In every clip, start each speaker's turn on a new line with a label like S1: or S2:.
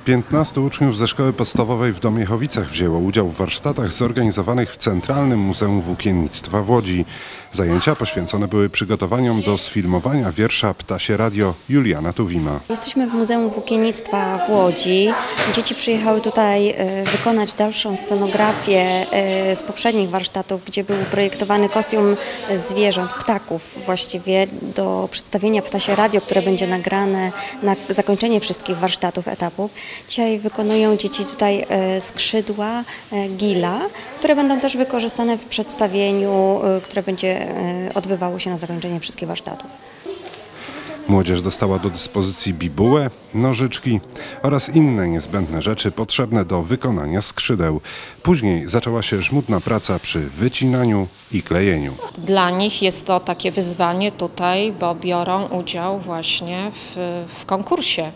S1: 15 uczniów ze szkoły podstawowej w Domiechowicach wzięło udział w warsztatach zorganizowanych w Centralnym Muzeum Włókiennictwa w Łodzi. Zajęcia poświęcone były przygotowaniom do sfilmowania wiersza Ptasie Radio Juliana Tuwima.
S2: Jesteśmy w Muzeum Włókiennictwa w Łodzi. Dzieci przyjechały tutaj wykonać dalszą scenografię z poprzednich warsztatów, gdzie był projektowany kostium zwierząt, ptaków właściwie, do przedstawienia Ptasie Radio, które będzie nagrane na zakończenie wszystkich warsztatów, etapów. Dzisiaj wykonują dzieci tutaj skrzydła gila, które będą też wykorzystane w przedstawieniu, które będzie odbywało się na zakończenie wszystkich warsztatów.
S1: Młodzież dostała do dyspozycji bibułę, nożyczki oraz inne niezbędne rzeczy potrzebne do wykonania skrzydeł. Później zaczęła się żmudna praca przy wycinaniu i klejeniu.
S3: Dla nich jest to takie wyzwanie tutaj, bo biorą udział właśnie w konkursie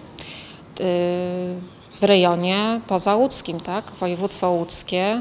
S3: w rejonie pozałódzkim, tak? Województwo łódzkie.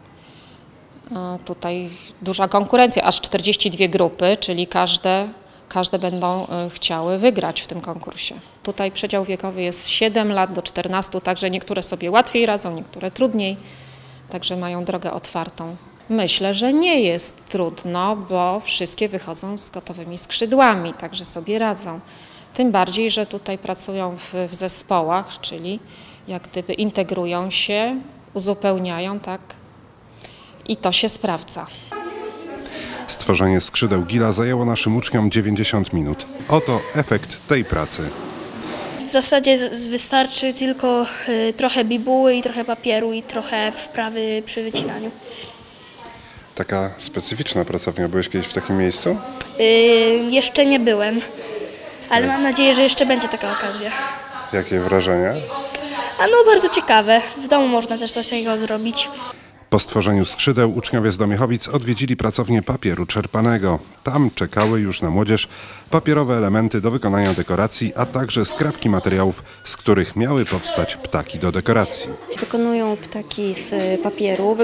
S3: Tutaj duża konkurencja, aż 42 grupy, czyli każde będą chciały wygrać w tym konkursie. Tutaj przedział wiekowy jest 7 lat do 14, także niektóre sobie łatwiej radzą, niektóre trudniej, także mają drogę otwartą. Myślę, że nie jest trudno, bo wszystkie wychodzą z gotowymi skrzydłami, także sobie radzą. Tym bardziej, że tutaj pracują w zespołach, czyli jak gdyby integrują się, uzupełniają, tak, i to się sprawdza.
S1: Stworzenie skrzydeł gila zajęło naszym uczniom 90 minut. Oto efekt tej pracy.
S4: W zasadzie wystarczy tylko trochę bibuły i trochę papieru i trochę wprawy przy wycinaniu.
S1: Taka specyficzna pracownia. Byłeś kiedyś w takim miejscu?
S4: Jeszcze nie byłem, ale mam nadzieję, że jeszcze będzie taka okazja.
S1: Jakie wrażenia?
S4: Bardzo ciekawe. W domu można też coś takiego zrobić.
S1: Po stworzeniu skrzydeł uczniowie z Domiechowic odwiedzili pracownię papieru czerpanego. Tam czekały już na młodzież papierowe elementy do wykonania dekoracji, a także skrawki materiałów, z których miały powstać ptaki do dekoracji.
S2: Wykonują ptaki z papieru,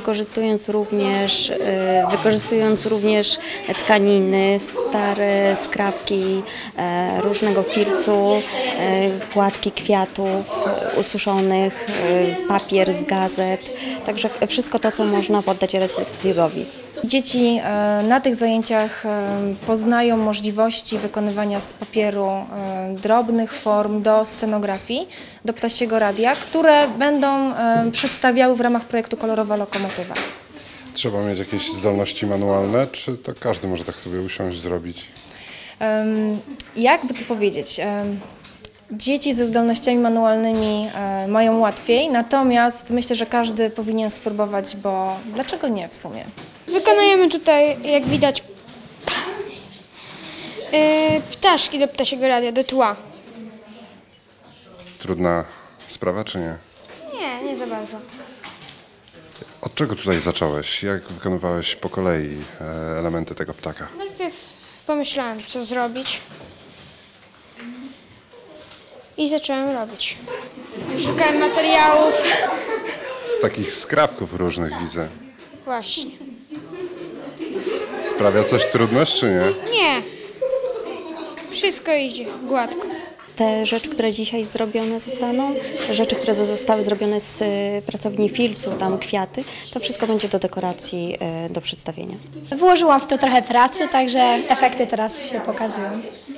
S2: wykorzystując również tkaniny, stare skrawki różnego filcu, płatki kwiatów ususzonych, papier z gazet, także wszystko to, co można poddać recyklingowi.
S5: Dzieci na tych zajęciach poznają możliwości wykonywania z papieru drobnych form do scenografii, do ptasiego radia, które będą przedstawiały w ramach projektu Kolorowa lokomotywa.
S1: Trzeba mieć jakieś zdolności manualne, czy to każdy może tak sobie usiąść, zrobić?
S5: Jakby to powiedzieć? Dzieci ze zdolnościami manualnymi mają łatwiej, natomiast myślę, że każdy powinien spróbować, bo dlaczego nie w sumie?
S6: Wykonujemy tutaj, jak widać, ptaszki do ptasiego radia, do tła.
S1: Trudna sprawa, czy nie?
S6: Nie za bardzo.
S1: Od czego tutaj zacząłeś? Jak wykonywałeś po kolei elementy tego ptaka?
S6: Najpierw pomyślałem, co zrobić i zacząłem robić. Szukałem materiałów.
S1: Z takich skrawków różnych widzę.
S6: Właśnie.
S1: Sprawia coś trudność, czy nie?
S6: Nie. Wszystko idzie gładko.
S2: Te rzeczy, które dzisiaj zrobione zostaną, rzeczy, które zostały zrobione z pracowni filcu, tam kwiaty, to wszystko będzie do dekoracji, do przedstawienia.
S7: Włożyłam w to trochę pracy, także efekty teraz się pokazują.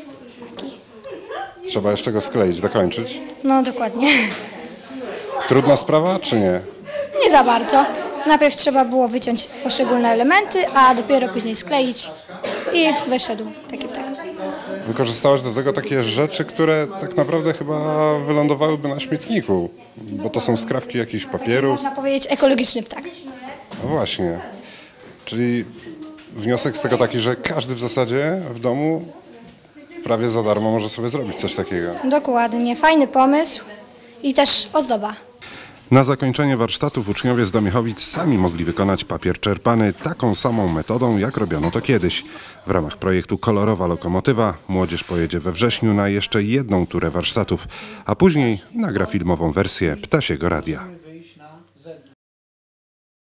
S1: Trzeba jeszcze go skleić, dokończyć.
S7: No dokładnie.
S1: Trudna sprawa, czy nie?
S7: Nie za bardzo. Najpierw trzeba było wyciąć poszczególne elementy, a dopiero później skleić i wyszedł taki ptak.
S1: Wykorzystałaś do tego takie rzeczy, które tak naprawdę chyba wylądowałyby na śmietniku, bo to są skrawki jakichś papieru.
S7: Można powiedzieć ekologiczny ptak.
S1: No właśnie. Czyli wniosek z tego taki, że każdy w zasadzie w domu prawie za darmo może sobie zrobić coś takiego.
S7: Dokładnie. Fajny pomysł i też ozdoba.
S1: Na zakończenie warsztatów uczniowie z Domiechowic sami mogli wykonać papier czerpany taką samą metodą, jak robiono to kiedyś. W ramach projektu Kolorowa lokomotywa młodzież pojedzie we wrześniu na jeszcze jedną turę warsztatów, a później nagra filmową wersję Ptasiego Radia.